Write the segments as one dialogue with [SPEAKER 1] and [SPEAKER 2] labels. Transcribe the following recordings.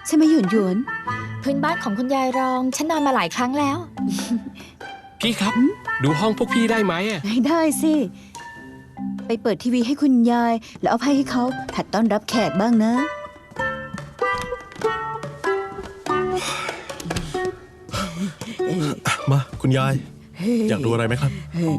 [SPEAKER 1] ใช่ไหมหยวนหยวน
[SPEAKER 2] พื้นบ้านของคุณยายรองฉันนอนมาหลายครั้งแล้ว
[SPEAKER 3] พี่ครับ ดูห้องพวกพี่ได้ไหมอะ
[SPEAKER 1] ได้สิ ไปเปิดทีวีให้คุณยาย แล้วเอาไพ่ให้เขาหัดต้อนรับแขกบ้างนะ
[SPEAKER 4] มาคุณยาย อยากดูอะไรไหมครับ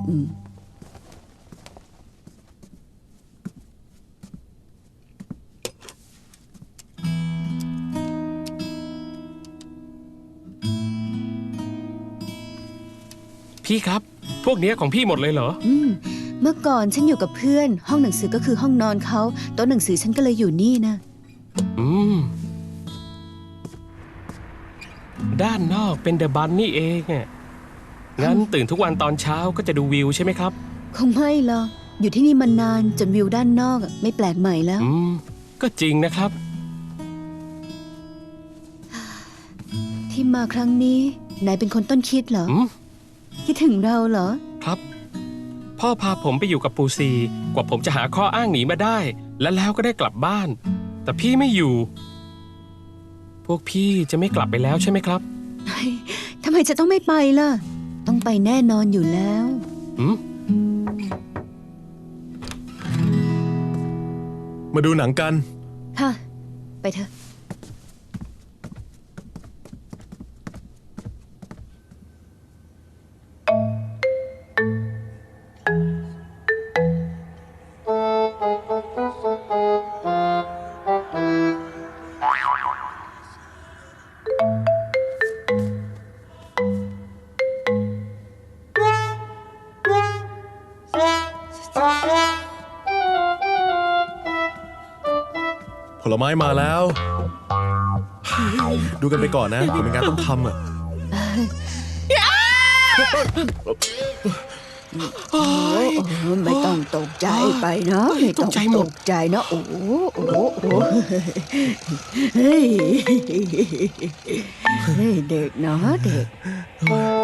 [SPEAKER 3] พี่ครับ พวกเนี้ยของพี่หมดเลยเหรอ
[SPEAKER 1] เมื่อก่อนฉันอยู่กับเพื่อน ห้องหนังสือก็คือห้องนอนเขาโต๊ะหนังสือฉันก็เลยอยู่นี่นะ
[SPEAKER 3] อืม ด้านนอกเป็นเดอะบันนี่เองอะงั้นตื่นทุกวันตอนเช้าก็จะดูวิวใช่ไหมครับ
[SPEAKER 1] คงไม่หรอกอยู่ที่นี่มานานจนวิวด้านนอกไม่แปลกใหม่แล้ว
[SPEAKER 3] ก็จริงนะครับ
[SPEAKER 1] ที่มาครั้งนี้นายเป็นคนต้นคิดเหรอ
[SPEAKER 3] อืม
[SPEAKER 1] คิดถึงเราเหรอ
[SPEAKER 3] ครับ พ่อพาผมไปอยู่กับปูซีกว่าผมจะหาข้ออ้างหนีมาได้ แล้วก็ได้กลับบ้าน แต่พี่ไม่อยู่ พวกพี่จะไม่กลับไปแล้วใช่ไหมครับ
[SPEAKER 1] ทำไมจะต้องไม่ไปล่ะ ต้องไปแน่นอนอยู่แล้ว
[SPEAKER 3] อืม
[SPEAKER 4] มาดูหนังกัน
[SPEAKER 1] ค่ะ ไปเถอะ
[SPEAKER 4] ผลไม้มาแล้ว ดูกันไปก่อนนะผมมีงานต้องทำอ่ะ
[SPEAKER 1] ไม่ต้องตกใจไปนะไม่ต้องตกใจนะโอ้โหเฮ้ยเด็กนะเด็ก